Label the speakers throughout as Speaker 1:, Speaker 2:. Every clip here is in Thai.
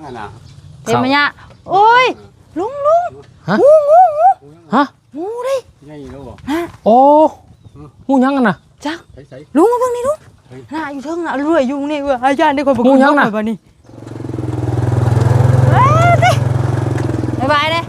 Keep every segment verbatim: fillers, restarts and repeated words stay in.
Speaker 1: อ่ะนะ
Speaker 2: เห็นมั้ยเนี่ยโอ้ยลุงลุงงูงูงูฮะงูดิ
Speaker 1: ไงรู้บ่
Speaker 2: โอ้
Speaker 3: งูยังกันน่ะ
Speaker 2: จักลุงมาเบิ่งนี่ลุงน่าอยู่เทิงน่ะรวยอยู่นี่เว้ยอาจารย์ได้คนบอกงูยังน่ะบัดนี้เฮ้ยบ๊ายบายเด้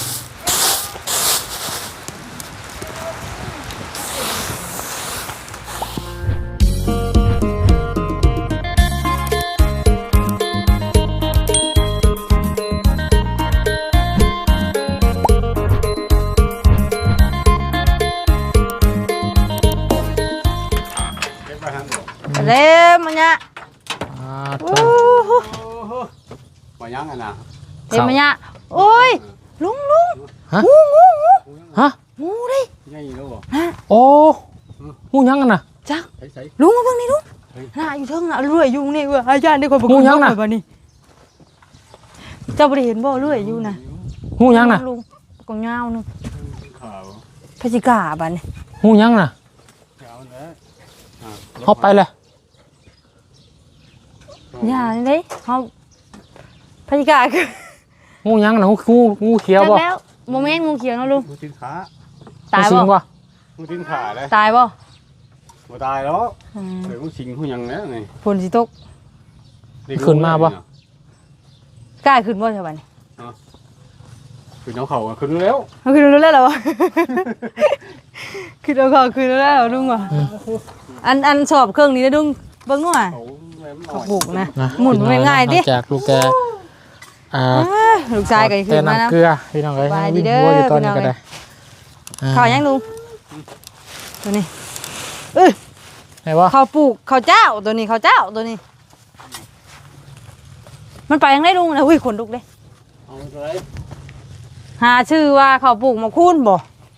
Speaker 2: เล่มันเนี่ย
Speaker 1: โอ้โหมายังอ่ะนะ
Speaker 2: เห็นมันเนี่ยโอ้ยลุงลุงงูงูงู
Speaker 3: ฮะ
Speaker 2: งูดิ
Speaker 1: ไงรู้บ่
Speaker 3: โอ้งูยังกันน่ะ
Speaker 2: จักลุงมาเบิ่งนี่ลุงน่าอยู่เทิงน่ะรวยอยู่นี่เว้ยอาจารย์ได้คนบอกงูยังน่ะบัดนี้เจ้าบ่ได้เห็นบ่รวยอยู่น่ะ
Speaker 3: งูยังน่ะ
Speaker 2: ลุงกงยาวนึงพฤศจิกาบัดนี้
Speaker 3: งูยังน่ะฮอบไปเลย
Speaker 2: อย่าเลยเขาพจิกาคือ
Speaker 3: งูยังนะงูงูงูเขียวบ่
Speaker 2: แล้วโมเมนต์งูเขียวนะลุง
Speaker 1: งูทิ้งขา
Speaker 2: ตายบ่
Speaker 1: งูทิ้งขาเลย
Speaker 2: ตายบ่
Speaker 1: บ่ตายแล้วเดี๋ยวงูสิงงูยังแล้วไง
Speaker 2: ฝนสิตก
Speaker 3: ขึ้นมาบ่
Speaker 2: กล้าขึ้นบ่ใช่ป่ะนี่
Speaker 1: ขึ้นเอาเข่าขึ้นแล้ว
Speaker 2: ขึ้นแล้วเหรอขึ้นเอาเข่าขึ้นแล้วเหรอลุงว่ะอันอันสอบเครื่องนี้นะลุงเบิ่งหน่อยเขาบุกนะหมุนไม่ง่ายดิ
Speaker 3: จากลูกแกอ่า
Speaker 2: ลูกชายก็ขึ้นมานะ
Speaker 3: เกลือพี่น้องเอ้ย
Speaker 2: วิ่งวัวอยู่ตอนนี้ก็ได้ข้าวยังลุงตัวนี้เอ้ย
Speaker 3: ไหนวะ
Speaker 2: ข้าวปลูกข้าวเจ้าตัวนี้ข้าวเจ้าตัวนี้มันไปยังได้ลุงนะอุ้ยขนลุกเลยหาชื่อว่าข้าวปลูกหมกคูนบ่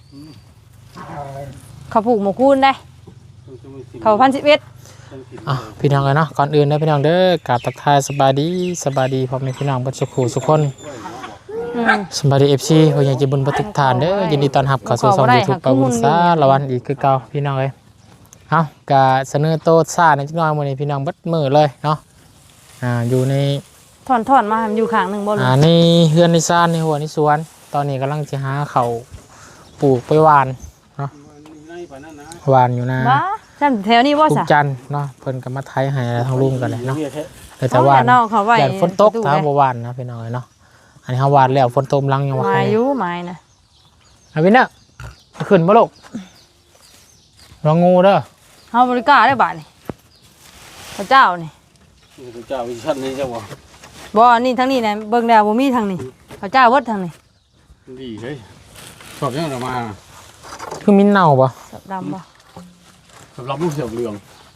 Speaker 2: ข้าวปลูกหมกคูนได้ข้าวพันสิบเอ็ด
Speaker 3: อ่ะพี่น้องกันเนาะก่อนอื่นนะพี่น้องเด้อกราบทักทายสบายดีสบายดีพ่อแม่พี่น้องบัดสุขุสุขคนสบายดีเอฟซีพ่อใหญ่ใจบุญประทุกฐานเด้อยินดีต้อนรับเข้าสู่ช่อง YouTube ปะบุญสาละวันอีกคือเก่าพี่น้องเอ้ยเอ้ากะเสนอโตซ่าในจักหน่อยมื้อนี้พี่น้องเบิดมื้อเลยเนาะอ่าอยู่ใน
Speaker 2: ถอนๆมาอยู่ข้างนึงบ่รู้
Speaker 3: อ่าในเฮือนในซ่านในหัวในสวนตอนนี้กำลังสิหาข้าวปลูกไปหว่านเนาะหว่านอยู่นะ
Speaker 2: จันแถวนี้ว่า
Speaker 3: สะจันเนาะเพิ่นก็มาไทยให้ทางลุงกันเลยเนาะแต่ว่า
Speaker 2: อย่า
Speaker 3: ฝนตกถ้าบ่หวานนะพี่น้อยเนาะอันนี้เฮาหวานแล้วฝนตกลังยังว่า
Speaker 2: ใครอยู่ไม้นะ
Speaker 3: เอาวินน่ะขึ้นบ่ลูกรองูเด้อ
Speaker 2: เฮาบริการได้บาดนี่พระเจ้านี่
Speaker 1: พระเจ้าวิชันนี่เจ้าบ่
Speaker 2: บ่นี่ทางนี้นะเบิ่งแล้วบ่มีทางนี้พระเจ้าเบิดทางนี้
Speaker 1: ดีเฮ้ยชอบยังออกมา
Speaker 3: คือมิ้นเน่าบ่
Speaker 2: ดำบ่
Speaker 1: สำหรับลูกเสือเหลือง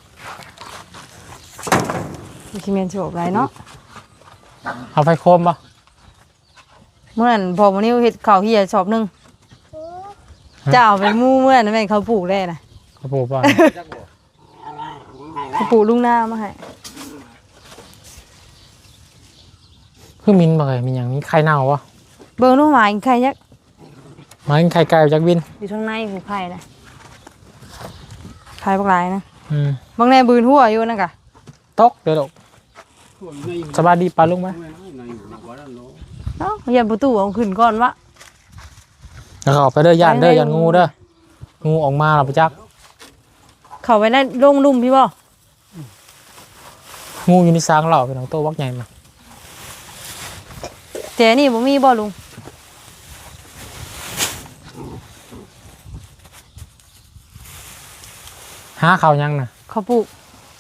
Speaker 2: มีขี้เมียนโฉบไรเนาะ
Speaker 3: เอาไฟโคมป่ะ
Speaker 2: เมื่อนั้นพอวันนี้เห็ดข้าวเฮียชอบนึงเจ้าไปมู่เมื่อนั้นแม่เขาปลูกได้นะ
Speaker 3: เขาปลูกป่ะ
Speaker 2: เขาปลูกลุงหน้ามาให้
Speaker 3: คือมิ้นบ่ไงมีอย่างนี้ไข่เน่าป่ะ
Speaker 2: เบิ่งลูกหมาไข่ยักษ์
Speaker 3: หมาไข่ไก่จากวิน
Speaker 2: อยู่ข้างในหูไข่นะไข่ปลายนะ
Speaker 3: บ
Speaker 2: างแน่บืนหัวอยู่นั่นกะ
Speaker 3: ตกเดี๋ยวลูกสบายดีปลาลุงไหม
Speaker 2: เนาะยันประตูเอาขึ้นก่อนวะ
Speaker 3: แล้วเขาไปเด้อย่านเด้อย่านงูเด้องูออกมาหรอปะจัก
Speaker 2: เขาไปได้ลงลุ่มพี่บ่
Speaker 3: งูอยู่ในซางเหล่าเป็นของโตวักใหญ่มา
Speaker 2: เจนี่บ่มีบ่ลุง
Speaker 3: หาเขายังน่ะ
Speaker 2: เขาปลูก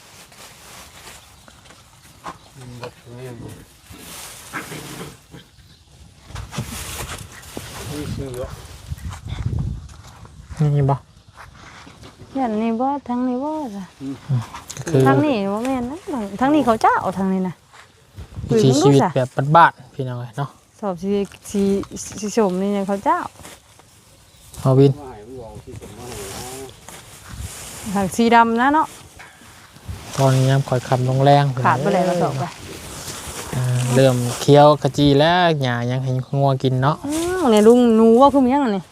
Speaker 3: นี่บ่
Speaker 2: ยันนี่บ่ทางนี้บ่จ้ะทางนี้บ่แม่นนะทางนี้เขาเจ้าทางนี้นะ
Speaker 3: ชีวิตแบบบ้านๆพี่น้องเนาะ
Speaker 2: สอบสีสีสีชมนี่เขาเจ้า
Speaker 3: เอาวิน
Speaker 2: ทางสีดำนะเนาะ
Speaker 3: ตอนนี้ยังคอยคำลงแรง
Speaker 2: ขาดไปเลยเราตกไป
Speaker 3: เริ่มเคี้ยวกะจีแล้วหญ้ายังให้งัวกินเนาะ
Speaker 2: เนี่ยลุงนูว่าคือมันยังไง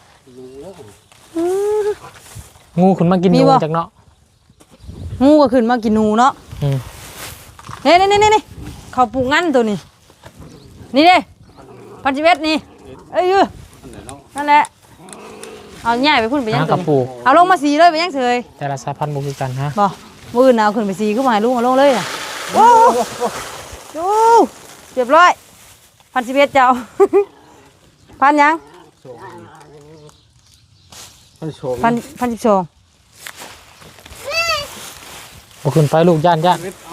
Speaker 3: งูขึ้นมากินนูจากเนาะ
Speaker 2: งูก็ขึ้นมากินนูเนาะเน่เน่เน่เน่เขาปลูกงั้นตัวนี้นี่เด้พันสิบเอ็ดนี่เอ้ยนั่นแหละเอาง่ายไปพุ่นไปยัง
Speaker 3: กระปู
Speaker 2: เอาลงมาสีเลยไปยังเฉย
Speaker 3: แต่ละสายพันธุ์บ่คือกันฮะ
Speaker 2: บ่มือหนาวขึ้นไปสีขึ้นมาให้ลุงเอาลงเลยน่ะโอ้โหเรียบร้อยพันสิบเอ็ดเจ้า พันยัง
Speaker 1: พันโชง
Speaker 2: พันพันสิบสอง
Speaker 3: บ่ขึ้นไปลูกย่านย่าน
Speaker 1: เอา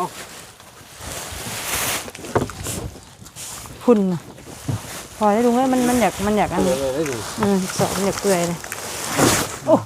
Speaker 2: พุ่นน่ะพอได้ลุงเอ้ยมันมันอยากมันอยากอัน
Speaker 1: เล
Speaker 2: นี้
Speaker 1: ยได้ดู
Speaker 2: อืมสองมันอยากเปื่อยเลยโอ้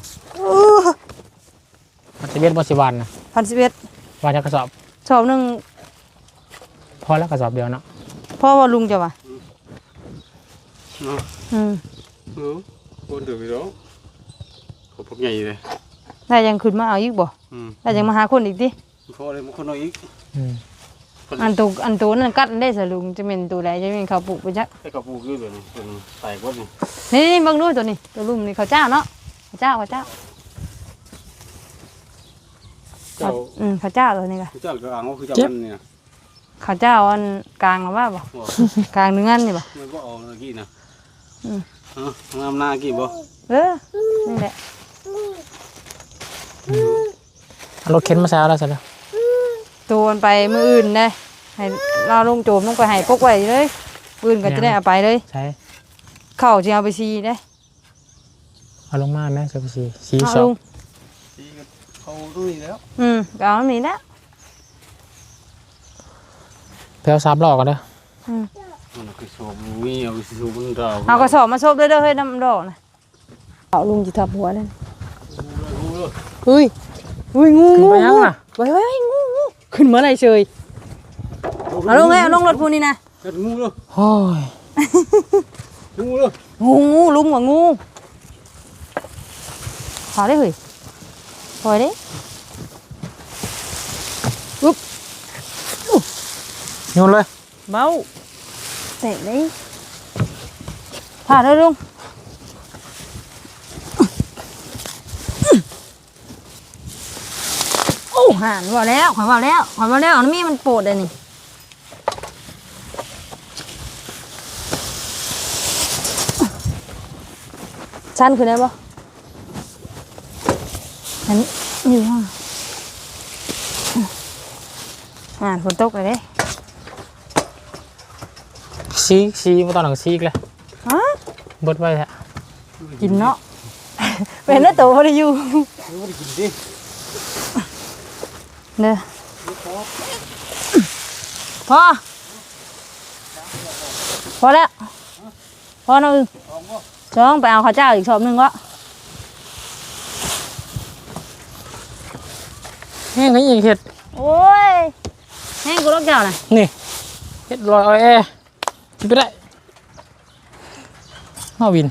Speaker 3: มันจะเบ็ดบ่สิวันนะ
Speaker 2: พันสิบเอ็ด
Speaker 3: วันจะกระสอบ
Speaker 2: สอบหนึ่ง
Speaker 3: พอแล้วกระสอบเดียวเนาะ
Speaker 2: พ่อว่าลุงจะวะ
Speaker 1: เนาะ
Speaker 2: อืม
Speaker 1: เออคนถือไปแล้วเขาพวกใหญ่เลย
Speaker 2: ได้ยังขึ้นมาเอาอีกบ่
Speaker 1: อืม
Speaker 2: ได้ยังมาหาคนอีกดิ
Speaker 1: พอเลยมันคนน้อยอีก
Speaker 3: อืม
Speaker 2: อันตัวอันตัวนั่นกัดได้สลุงจะเป็นตัวใดจะเป็นเขาปลูกไปจัก
Speaker 1: ไอ้กระปูคือตัวนี้ตัวนี้แตกวัดนี่
Speaker 2: นี่นี่เบิ่งดูตัวนี้ตัวลุมนี่เขาเจ้าเนาะเขาเจ้าเขาเจ้า
Speaker 1: เจ้า
Speaker 2: อืมเขาเจ้าตัวนี้ค่ะ
Speaker 1: เจ้าก็อ่างว่าคือเจ้ามันเนี่ย
Speaker 2: เขาเจ้าอันกลางหรือว่าบ่กลางเนื้อนี่บ่
Speaker 1: มันก็เอาเมื่อกี้นะ
Speaker 2: อืม
Speaker 1: ฮะงามหน้ากี่บ่
Speaker 2: เออนี่แหละ
Speaker 3: เอารถเข็นมาใส่เอาแล้วใช่แล้ว
Speaker 2: ตัวมันไปมืออื่นได้ให้เราลงโจมลงไปให้พกไว้เลยปืนก็จะได้เอาไปเลย
Speaker 3: ใช่
Speaker 2: เข้าจะเอาไปซีได้
Speaker 3: เอาลงมาแม่เจ้าพี่สีสี
Speaker 2: เอา
Speaker 3: สอ
Speaker 2: ลุ
Speaker 3: ง
Speaker 2: ง
Speaker 1: ที่เขาตู้นี้แล้ว
Speaker 2: อืมก็เอาอันนี้นะ
Speaker 3: แพลวสามหลอกกันเด้อ
Speaker 2: อืม
Speaker 1: มันคือโชว์มีเอาโชว์มันเรา
Speaker 2: เอากระสอบมาซบเลยเด้อเฮ้ยน้ำดอกนะเอาลุงจะทับหัวเลยเฮ้ยเฮ้ยงู
Speaker 3: ขึ้น
Speaker 2: งู
Speaker 3: ไปยัง
Speaker 2: งู
Speaker 3: น่ะ
Speaker 2: ไว้ไว้ไว้งูงูขึ้นเมื่อไรเชยเอาลงไงเอาลงรถพูนี่นะ
Speaker 1: เฮ็ดงูเลย
Speaker 3: โอ้ย
Speaker 1: งูเลย
Speaker 2: งูงูลุงว่างูพอได้เฮ้ยพอได้อุ๊บ
Speaker 3: โยนเลย
Speaker 2: เบาเตะเลยผ่าได้ลุงโอ้ห่านว่าแล้วขอยว่าแล้วขอยว่าแล้วอันนี้มันโปรดเลยนี่ชั้นคือได้ปะอันนี้อยู่ห้องอ่านฝนตกเลยเด้
Speaker 3: ซีกซีมาตอนหลังซีกเลย
Speaker 2: ฮะ
Speaker 3: เบิดไว้แท้
Speaker 2: กินเนาะ เป็นแล้วตัวพอได้อยู่
Speaker 1: ไม่ได้กินดิ
Speaker 2: เด้อพอพอแล้วพอนะอึจ้องไปเอาข้าวเจ้าอีกชอบหนึ่งวะ
Speaker 3: แห้งก็ยังเห็ด
Speaker 2: โอ้ยแห้งกูรักเจ้าน่ะ
Speaker 3: นี่เห็ดลอยออยแอกินไปได้มาวิน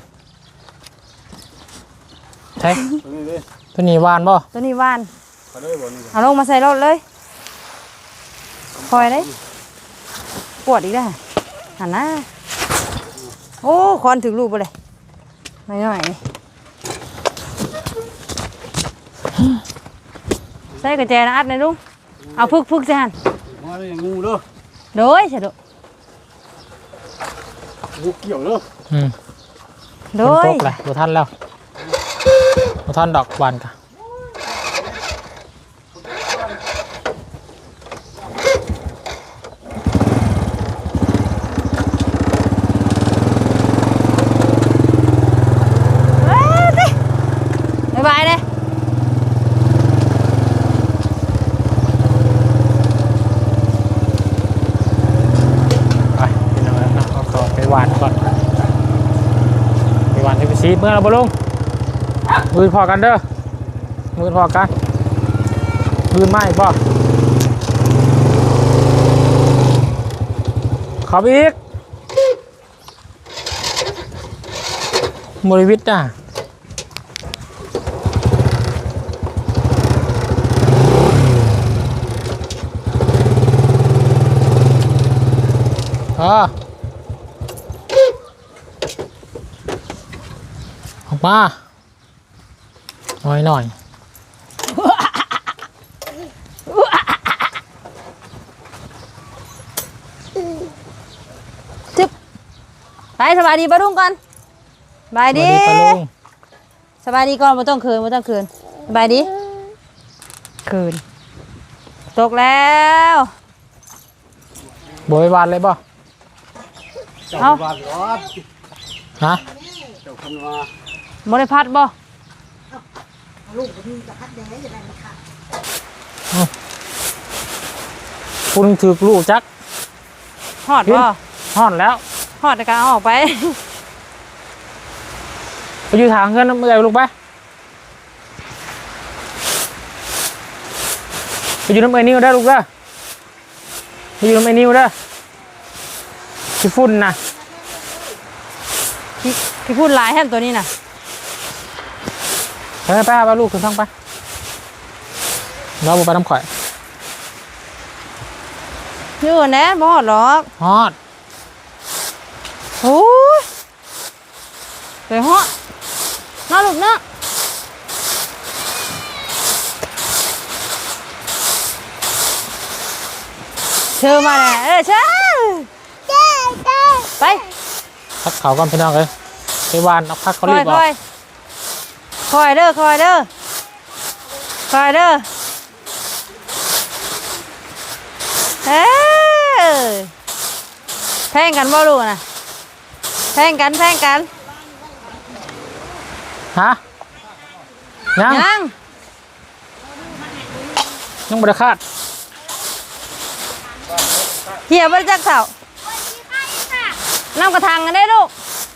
Speaker 3: ใช่
Speaker 1: ตัวนี้เลย
Speaker 3: ตัวนี้หวานบ่
Speaker 2: ตัวนี้หว่าน
Speaker 1: เขาเลยบ่นี่
Speaker 2: เอาลงมาใส่รถเลยคอยเลยปวดอีกแล้วหันหน้าโอ้คอนถึงลูกไปเลยหน่อยหน่อยนี่ใส่กระแจนะอัดหน่อยลุงเอาพึกพึกใส่หัน
Speaker 1: มาเลยงูเด้อ
Speaker 2: โดยใช่โด
Speaker 1: งูเกี่ยวเด้อ
Speaker 3: อืม
Speaker 2: โด
Speaker 3: ฝน
Speaker 2: ย
Speaker 3: ตกเลยบ่ทันแล้วบ่ทันดอกหวานกะ
Speaker 2: เอ้ยสิบ๊ายบายเลย
Speaker 3: ไปพี่น้องนะเอาขอไปหวานก่อนไปหวานที่ไปซีเมื่อเราบ่ลงมือพอกันเด้อมือพอกันมือไหม้บ่ขับอีกบริวิตอ่ะอ่าออกมาหน่อยหน่อย
Speaker 2: ไปสบายดีปะลุงก่อนสบาย
Speaker 3: สวัส
Speaker 2: ดี
Speaker 3: ดีปะลุง
Speaker 2: สบายดีก่อนไม่ต้องคืนไม่ต้องคืนสบายดีคืนตกแล้ว
Speaker 3: โบยบานเลยบ่
Speaker 1: เจ้า
Speaker 2: เอา
Speaker 1: บ้านรถ
Speaker 3: ฮะ
Speaker 1: เจ้าคนว่า
Speaker 2: บริพัดบ่
Speaker 3: คุณถือลูกจัก
Speaker 2: หอดบ่
Speaker 3: ห่อนแล้ว
Speaker 2: หอดแต่การเอาออกไป
Speaker 3: ไปอยู่ทางเพื่อนเมื่อไหร่ลูกไปไปอยู่น้ำไอ้นิ้วได้ลูกเด้อไปอยู่น้ำไอ้นิ้วเด้อที่ฝุ่นนะ
Speaker 2: พี่พี่พูดหลายแฮมตัวนี้น่ะ
Speaker 3: ไปไปไปลูกขึ้นท้องไปเราไปน้ำข่อย
Speaker 2: อยู่แน่บ่หอดหรอก
Speaker 3: ฮอด
Speaker 2: โอ้ยสวยเหาะน่าลูกเนาะเชิญมาแน่เออเชิญไป
Speaker 3: พักเขาก่อนพี่น้องเลยไปวานเอาพักเขา
Speaker 2: ค
Speaker 3: รี
Speaker 2: อบ ย
Speaker 3: ออ
Speaker 2: ค
Speaker 3: ก
Speaker 2: อยคอยเด้อคอยเด้อคอยเด้อเอ้ยแพงกันบ่ลูกน่ะแพงกันแพงกัน
Speaker 3: ฮะยัง
Speaker 2: ยัง
Speaker 3: ยังบริคาด
Speaker 2: เหี่ยวบริจักเสาน้ำกระทังกันได้ลูก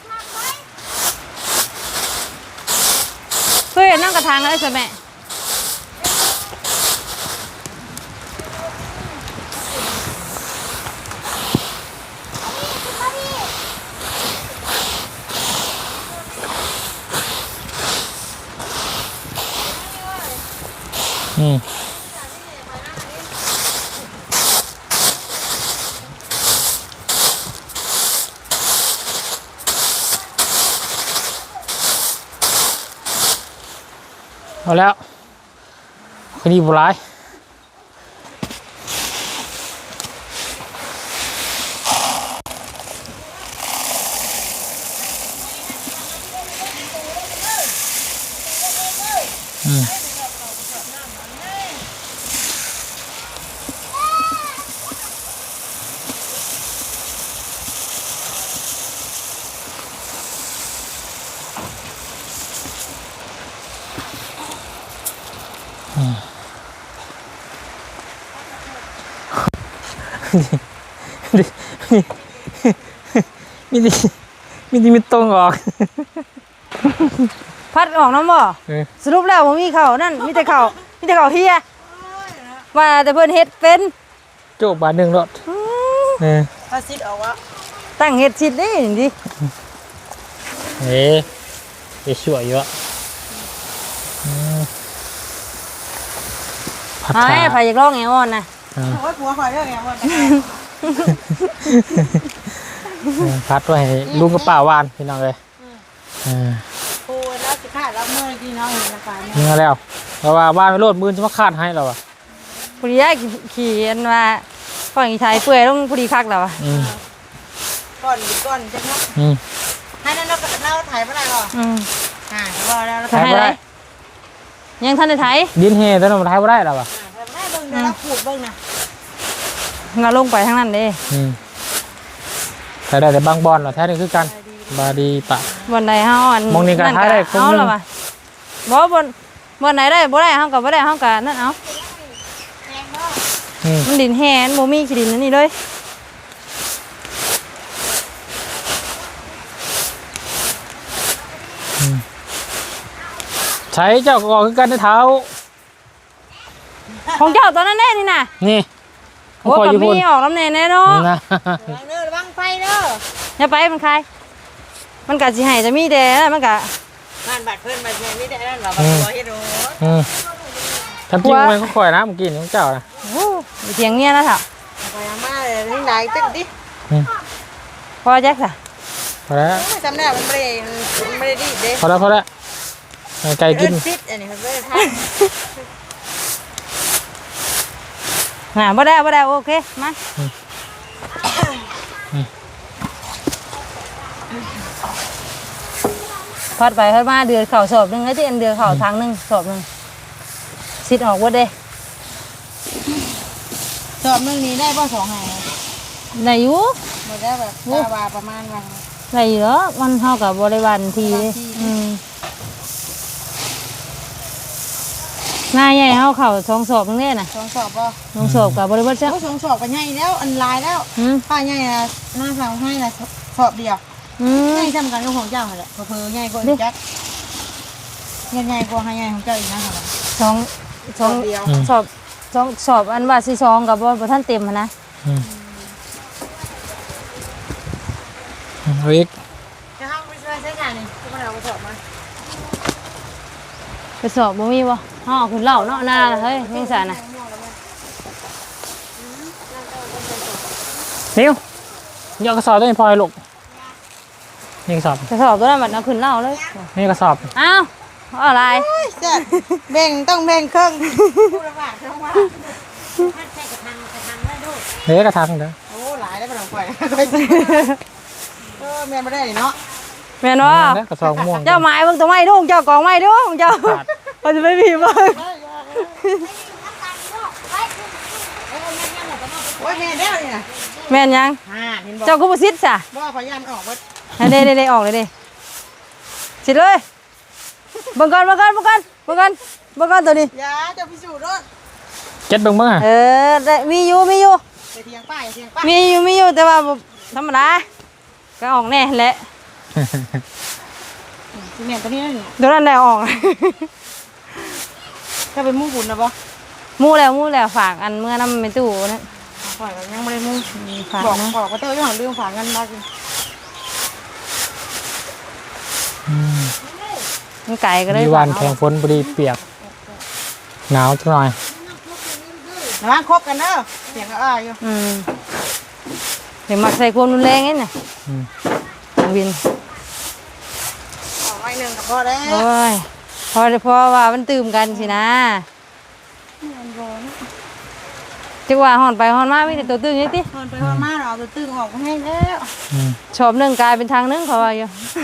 Speaker 2: เพื่อนน้ำกระทังกันได้ใช่ไหม
Speaker 3: อืมเอาแล้วคดีบุร้ายอืมมีดีมีดีมีตรงออก
Speaker 2: พัดออกน้ำบ่
Speaker 3: เออ
Speaker 2: สรุปแล้วผมมีเข่านั่นมีแต่เข่ามีแต่เข่าเฮียว่าแต่เพิ่นเฮ็ดเป็น
Speaker 3: โจบบาทหนึ่งรถ
Speaker 2: อืม
Speaker 3: เออ
Speaker 4: ถ้าซิดเอาวะ
Speaker 2: ตั้งเฮ็ดชิดนี่ดิ
Speaker 3: เอ๊ะไปช่วยเยอะอืมผัด
Speaker 2: ไอ้
Speaker 3: ชา
Speaker 2: ไผอยากลองแอวอ่อนนะ
Speaker 3: อ่า
Speaker 4: โอ้ยผัวคอยเรื่องไงวะ
Speaker 3: เออพัดไว้ให้ลุงกับป้าวานพี่น้องเลยอ่า
Speaker 4: โอ้ยแล้วสิขาดแล้วเมื่อกี้น้องเห็นนะคะเนี่ย
Speaker 3: ยิงมาแล้วเพราะว่าบ้านไม่โลดมือจะมาคาดให้เราอ่ะ
Speaker 2: ผู้ดีได้ขี่อันว่าฝั่งอีไทยเปื่อยต้องผู้ดีคักแล้วอะ
Speaker 3: อืม
Speaker 4: ก่อนก่อนจะเนาะ
Speaker 3: อืม
Speaker 4: ให้นั่นเราเราถ่ายเมื่อไหร่หรอ
Speaker 2: อืม
Speaker 4: อ่าพอแล้วเรา
Speaker 2: จะให้ไรยังทันได้ไทย
Speaker 3: ดินเฮแต่เราไทยไม่ได้หรอวะ
Speaker 4: ได้เบิ่งเดี๋ยวเราขูดเบิ่งนะ
Speaker 2: เราลงไปทางนั้นเด้
Speaker 3: อืมแต่ได้แต่บางบอลเหรอแท้นี่คือกันบาดีปะ
Speaker 2: บนไหนเฮาอัน
Speaker 3: มองนี่ก็ท้ายได้ครึ่ง
Speaker 2: เอา
Speaker 3: หนึ่ง
Speaker 2: ละว่ะบ่บนบนไหนได้บ่ได้เฮาก็บ่ได้เฮาก็นั่นเอา
Speaker 3: อืม
Speaker 2: มันดินแห้งบ่มีขี้ดินอันนี้เลย
Speaker 3: ใช้เจ้าก็ออกคือกันในเท้า
Speaker 2: ของเจ้าตอนนั้นแน่นี่น่ะ
Speaker 3: นี่
Speaker 2: โอ้
Speaker 3: คอย
Speaker 2: กับ
Speaker 3: อยู่บ
Speaker 2: มี
Speaker 3: น
Speaker 2: ออกน้ำแน่แน่เนาะ
Speaker 3: นะ
Speaker 4: ระวังเด้อระวังไฟเด้อ
Speaker 2: อย่าไปมันใครมันก็สิให้จะมีแต่มันก็
Speaker 4: บ้านบัดเพื่อนบัดเนี่ยนี่ได้นั่นหรอบัดตัวเฮ็ดโอ้
Speaker 3: อืมทำจริงไหมเขาคอยนะเมื่อกี้นี่ของเจ้านะ
Speaker 2: โอ้ยเถียงเมียแล้วเถอะ
Speaker 4: ไปอามาเลยนี่ไหนตึ้งดิ
Speaker 2: พอแจ็คจ้ะ
Speaker 3: พอแล้ว
Speaker 4: จำได้มันไม่ได้มันไม่ได้ดีเด้
Speaker 3: พอแล้วพอแล้วให้ไก่กิน
Speaker 4: ซิดอันนี้มันไม่ได้ท
Speaker 2: น่ะบ่ได้บ่ได้โอเคมาพัดไปพัดมาเดือดเข่าสอบหนึงไอ้ที่อันเดือดเข่าทางหนึงสอบหนึงสิทธิ์ออกว่าเด้
Speaker 4: สอบนึงนี้ได้บ่สองแห่ง
Speaker 2: ไหนอยู่
Speaker 4: บ่ได้แบบตาว่าประมาณว่า
Speaker 2: ไหนอยู่เนาะมันเท่ากับบริวารทีเลยอืมหน้าใหญ่เท่าเข่าทองสอบนึงเนี่ยนะ
Speaker 4: สองสอบบ่
Speaker 2: ทองสอบกับบริวารจ้ะ
Speaker 4: โอ้สองสอบก็ใหญ่แล้วอันลายแล้ว
Speaker 2: อืม
Speaker 4: ป้าใหญ่น่ะหน้าฟังให้น่ะสอบเดียว
Speaker 2: อืม
Speaker 4: ใหญ่ซ้ำกันกับของเจ้าหั่นแหละเพิ่นใหญ่กว่าอีกจักใหญ่กว่าให้ใหญ่ของเจ้าอีกนะค่ะ
Speaker 2: สองส
Speaker 4: ส
Speaker 2: อ
Speaker 4: อง บเดียว
Speaker 2: สอบสองสอบอันว่าสิสองกับบท่านเต็มหั้นนะ
Speaker 3: อืมเอาอีก
Speaker 4: จะเฮาไปช่วยใช้งานนี่ก็มาเอาไปสอบมา
Speaker 2: ไปสอบบ่มีบ่ห่อขึ้นเหล่าเนาะหน้าเฮ้ยไม่ใช่น่ะ
Speaker 3: นิ้วนี่เอากระสอบตัวนี้พลอยลูกนี่กระสอบ
Speaker 2: จะสอบตัวนั้นมันเอาขึ้นเหล่าเลย
Speaker 3: นี่กระสอบ
Speaker 2: อ้าวเอาอะไร
Speaker 4: เจ้าแบ่งต้องแบ่งครึ่ง
Speaker 3: เฮ้ยกระทังเด้อ
Speaker 4: โอ้หลายได้บ่ต้องปล่อยเออแม่นบ่ได้เนาะ
Speaker 2: แม่นบ่
Speaker 3: เด้อกระสอบม่วง
Speaker 2: เจ้าไม้เบิ่งตัวไม้ดูเจ้ากองไม้ดูเจ้าเขาจะไม่มีเบิ่ง
Speaker 4: โอ้ยแม่นแล้วนี่น่ะ
Speaker 2: แม่นยัง
Speaker 4: อ่าเห็นบ่
Speaker 2: เจ้ากูบ่ซิดจ้ะ
Speaker 4: บ่พยายามออกเบิด
Speaker 2: เด้เด้เด้ออกเลยเด้สิเลยเบิ่งก่อนเบิ่งก่อนเบิ่งก่อนเบิ่งก่อนเบิ่งก่อนตัวนี้
Speaker 4: อย่าเจ้าพิสูจน์รถ
Speaker 3: เจ็ดเบิ่งเบิ่งอ่ะ
Speaker 2: เออได้มีอยู่มีอยู่
Speaker 4: อย่าเถียงป้าอย่าเถียงป้า
Speaker 2: มีอยู่มีอยู่แต่ว่าบ่ธรรมดาก็ออกแน่แหละ
Speaker 4: สิแม่นตัวนี้นั่นนี่
Speaker 2: เดี๋ยวนั้นได้ออก
Speaker 4: ถ้าเป็นหมู่บุญนะบ่
Speaker 2: หมู่แล้วหมู่แล้วฝากอันเมื่อนำไปตู้นั่น
Speaker 4: ปล่อยยังบ่ได้หมู่
Speaker 2: ฝาก
Speaker 4: บอก
Speaker 2: นะ
Speaker 4: บอกก็เต้อยู่ของเรื่องฝากเงินมาสิ
Speaker 2: มันไก่ก็เลย
Speaker 3: มีวัน
Speaker 2: ฝาก
Speaker 3: แข่งฝนพอดีเปียกหนาวจังหน่อย
Speaker 4: ระวังคบกันเด้อเสียงก็อ้าอยู่
Speaker 2: อืมเดี๋ยวมักใส่ความรุนแรงนี่น่ะ
Speaker 3: อืม
Speaker 2: ของวิน
Speaker 4: ออกไว้หนึงก็พอแล้ว
Speaker 2: โอ้ยพอพอว่ามันตื่มกันสินะจังว่าหอนไปหอนมามีแต่ตัวตึงนี่ติ
Speaker 4: ทนไปทนมาเราเอาตัวตึงออกมาให้แล้ว
Speaker 3: อืม
Speaker 2: ชอบหนึ่งกลายเป็นทางหนึงเขาว่าอยู่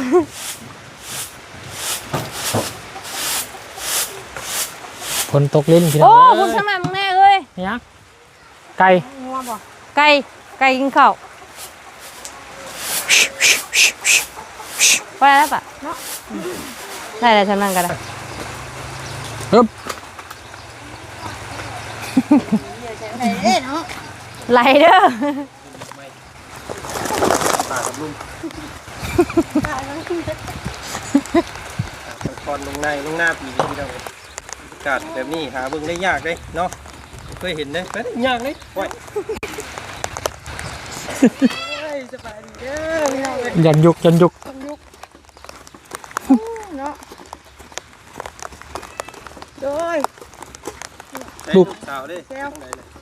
Speaker 3: ฝนตกลิ้นพี่น้
Speaker 2: โอ้
Speaker 3: อง
Speaker 2: คุณทำไมมึงแน่เอ้ย
Speaker 3: นี่ยังไก่
Speaker 4: งัวบ่
Speaker 2: ไก่ไก่กินข้าวไปแล้วปะเนาะอืมได้แล้วฉันนั่งกันละ
Speaker 3: ฮึบ
Speaker 4: ไหนเด้เนาะ
Speaker 2: ไหลเด้อ
Speaker 5: ตอนลงในลงหน้าปีนี้พี่น้องอากาศแบบนี้หาเบิ่งได้ยากเลยเนาะเคยเห็นเลยแต่ยากเลยโอ้ย
Speaker 4: เอ้ยสบายดีเด้อพี่น้องเอ้ย
Speaker 3: ยันยุกยันยุก
Speaker 4: เนาะโดย
Speaker 5: ลูกสาวเด้
Speaker 4: แซว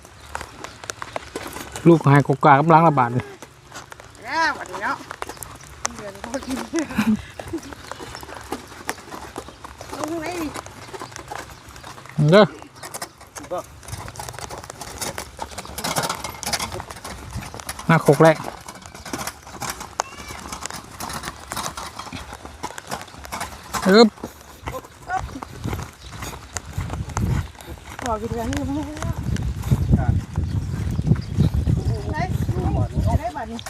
Speaker 3: ลูกหายกกากำลังระบาดเลย
Speaker 4: แล้วบัดนี้เนาะเดือนพอกินเอาตรงไหนดิ
Speaker 3: เด้อหน้าโคกแรกฮึบ
Speaker 4: บอกกินกันนี่มั้งไหนได้บัดนี้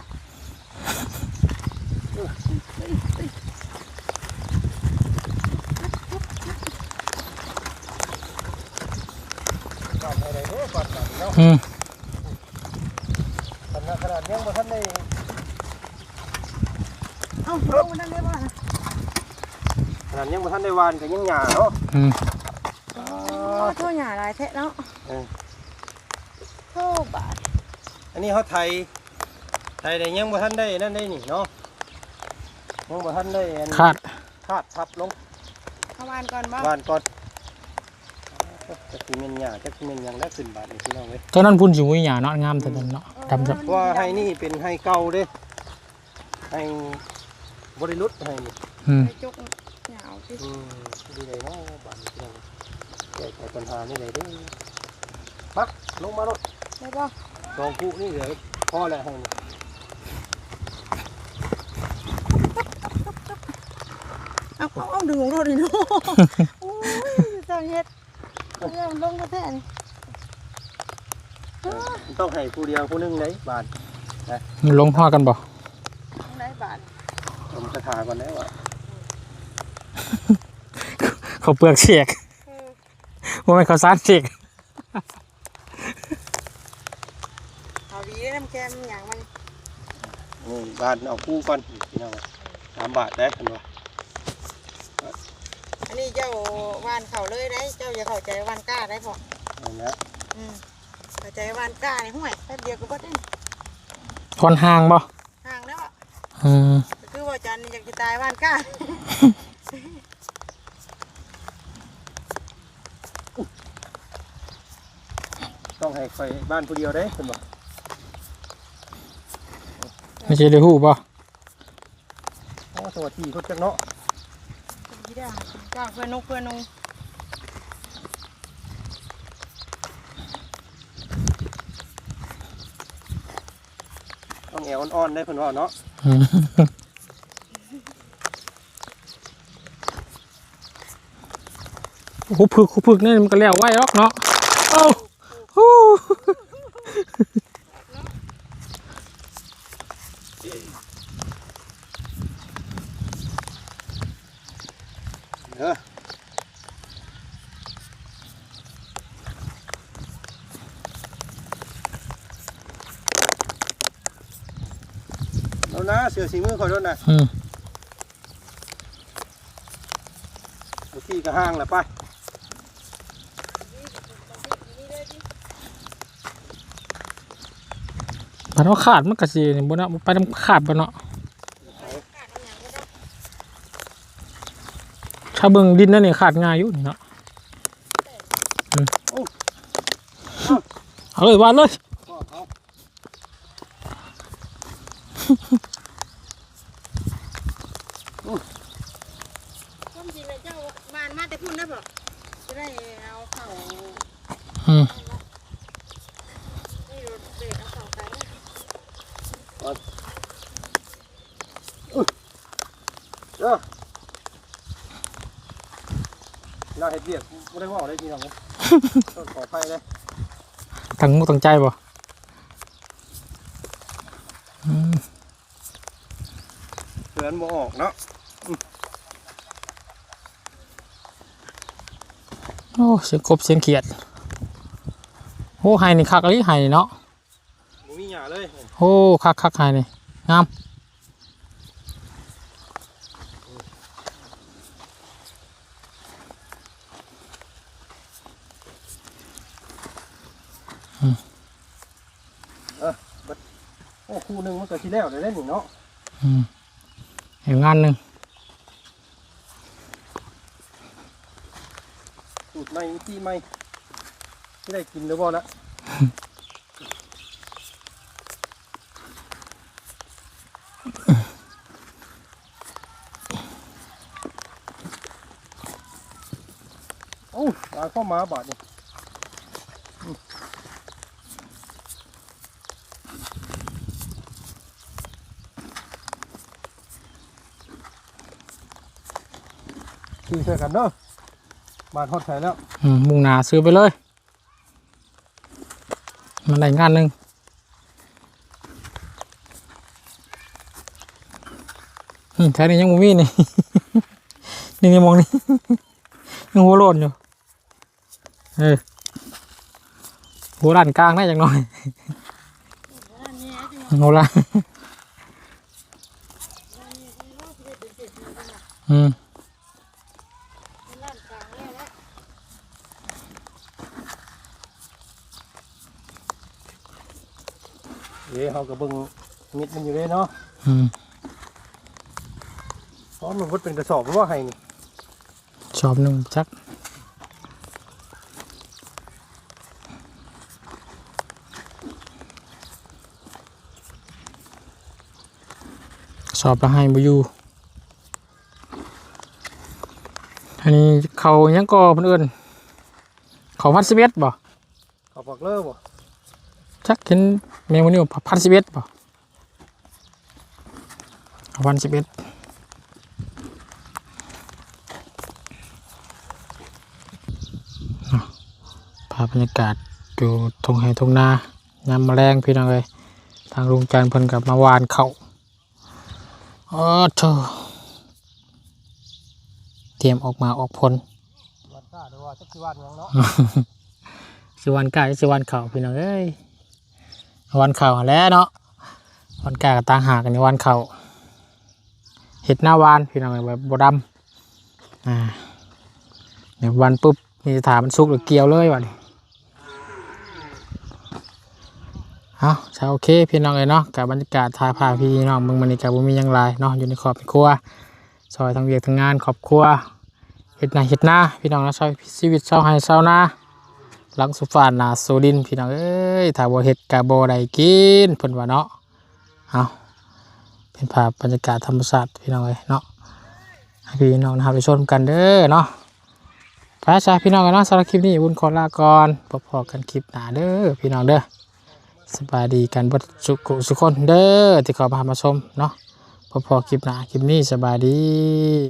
Speaker 3: อืม
Speaker 5: ขนาดขนาดยังบ่ทันได้
Speaker 4: เอ้าลงมานั่นได้บ่
Speaker 5: ขนาดยังบ่ทันได้วานก็ยังหญ้าเนาะ
Speaker 3: อืม
Speaker 4: อ๋อโทษหย่าหลายแท้เนาะ
Speaker 5: เออ
Speaker 4: โทษบาด
Speaker 5: อันนี้เขาไทยไทยได้ยังบ่ทันได้นั่นได้นี่เนาะยังบ่ทันได้อัน
Speaker 3: คาด
Speaker 5: คาดทับลง
Speaker 4: เอาวานก่อนบ่
Speaker 5: วานก่อนจักสิแม่นหญ้าจักสิแม่นหยังได้ขึ้นบาดนี่พี่น้องเว้ย
Speaker 3: ตอนนั้นพุ่นสิมุ้ยหยาเนาะงามแต่นั้นเนาะดำจับ
Speaker 5: เพราะว่าให้นี่เป็นให้เก่าเด้ให้บริลุษให้นี่
Speaker 3: อืม
Speaker 4: ไปจุกหยาวสิ
Speaker 5: อืมดีเลยเนาะบ้านนี้พี่น้องแก้ไขปัญหานี่เลยเด้อมาลงมารถ
Speaker 4: ได้บ่
Speaker 5: สองคู่นี่เหลือพอแล้วให้นี่
Speaker 4: เอาเอาดึงของรถดิเนาะโอ้ยเจ้าเฮ็ดเรื่องลงกระแทกนี่
Speaker 5: ต้องให้ผู้เดียวผู้หนึงได้บาท
Speaker 3: ลงห่อกันบ่
Speaker 4: ได้บาท
Speaker 5: ผมจะถาก่อนแล้วอ่ะ
Speaker 3: เขาเปลือกเฉียกว่าไม่เขาซานเฉียก
Speaker 4: เอาดีได้น้ำแกมอย่างมัน
Speaker 5: นี่บาทเอาคู่ก่อนพี่น้องสามบาทได้กันวะ
Speaker 4: อันนี้เจ้าวานเข่าเลยได้เจ้าอย่าเข้าใจวานก้าได้พอ
Speaker 5: เอาละ
Speaker 4: อืมเข้าใจวานก้าในห้วยแป๊บเดียวก็บ่ได้
Speaker 3: คนห่างบ่
Speaker 4: ห่างแล้วอ่ะ
Speaker 3: อืม
Speaker 4: คือว่าจันอยากจะตายวานก้า
Speaker 5: ต้องให้คอยบ้านผู้เดียวได้คุณบอก
Speaker 3: ไม่ใช่ได้ฮู้บ่
Speaker 5: โอ้สวัสดีทุกจักเนาะ
Speaker 4: ดีได้จ้าเพื่อนนุกเพื่อนนุง
Speaker 5: ต้องแอวอ่อนๆได้เพิ่นว่าเนาะ
Speaker 3: อืมโอ้โหพึกพึกนี่มันก็แล้วไว้หรอกเนาะโอ้โห
Speaker 5: เออแล้วนะเสือสีมือคอยด้วยนะ
Speaker 3: อืม
Speaker 5: เอาที่กระห้างแหละไป
Speaker 3: มันว่าขาดมันก็สิบ่เนาะไปนำขาดบ่เนาะถ้าเบิ่งดินนั่นนี่ขาดง่ายอยู่นี่เนาะอืมเอาเลยวาดเลย
Speaker 5: ก็เอา
Speaker 4: ต้มจีนเลยเจ้าบานมาแต่พุ่นได้บ่จะได้เอาเข่า
Speaker 3: อืม
Speaker 4: นี่รถเบรกเอาเข่าไป
Speaker 5: เด้อเราเห็ดเบียกไม่ได้ว่าได้ทีน้องเลยต้นขอไฟเลย
Speaker 3: ตั้งมุกตั้งใจบ่อืม
Speaker 5: เสือนบ่ออกเนาะ
Speaker 3: โอ้เสียงกบเสียงเขียดโอ้ไห้นี่คักเลยไห้นี่เนาะ
Speaker 5: บ่มีหญ้าเลย
Speaker 3: โอ้คักคักไห้นี่งามอืม
Speaker 5: โอ้คู่หนึงมันก็สิแล้วได้เล่นเนาะ
Speaker 3: อืมเห็นงานหนึ่ง
Speaker 5: สูตรใหม่ที่ใหม่ที่ได้กินหรือบ่ละโอ้ตาเข้ามาบาดนี่คือเชื่อกันเนาะบาดฮอดไทยแล้ว
Speaker 3: อืมมุ่งหนาซื้อไปเลย มันได้งานหนึ่งอืมแถวนี้ยังบ่มีนี่ นี่นี่มองนี่ ยังหัวโลนอยู่เออหัวด้านกลางได้อย่างน้อยหัวด้านอืม
Speaker 5: เดี๋ยวเขาก็เบิ่งมิดมันอยู่เลยเนาะ
Speaker 3: อืม
Speaker 5: เพราะมันพุดเป็นกระสอบเพราะว่าให้นี่
Speaker 3: ชอบหนึ่งจักสอบละให้บ่อยู่อันนี้เขายังก่อเพิ่นเอิ้นเขาพันสิบเอ็ดบ่
Speaker 5: เขาปักเลิกบ่
Speaker 3: จักเห็นแมวนี่พันสิบเอ็ดบ่เขาพันสิบเอ็ดรรยากาศอยู่ทงไห้ทงนายามแมลงพี่น้องเลยทางลุงจันทร์เพิ่นกับมาวานเขาอ๋อเธอเตรียมออกมาออกพล
Speaker 5: วัดก้าหรือว่าจักสิวันหยังเนาะ
Speaker 3: สิวันกาสิวันเขาพี่น้องเอ้ยวันเขาหั่นแหล้วเนาะวันกากับต่างหากกันในวันเขาเห็ดหน้าวานพี่น้องเอ้ยแบบบดำอ่าเดี๋ยววันปุ๊บมีถามมันสุกหรือเกี่ยวเลยวะนี่เอาใช่โอเคพี่น้องเลยเนาะกับบรรยากาศทายพาพี่น้องมึงมันนี่กับบุมีหยังไรเนาะอยู่ในขอบครัวซอยทางเวียกทางงานขอบครัวเห็ดนาเห็ดหน้าพี่น้องนะซอยชีวิตเศร้าให้เศร้าหน้าหลังสุฟานนาโซดินพี่น้องเอ้ยถ้าบ่เห็ดกะบ่ได้กินเพิ่นว่าเนาะเอาเป็นภาพบรรยากาศธรรมชาติพี่น้องเลยเนาะให้พี่น้องนะครับไปชมกันเด้อเนาะพระชาพี่น้องกันเนาะสำหรับคลิปนี้บุญขอลาก่อนพบกันคลิปหน้าเด้อพี่น้องเด้อสบายดีกันเบดสุขสุขคนเด้อที่เข้ามามาชมเนาะพบคลิปหน้าคลิปนี้สบายดี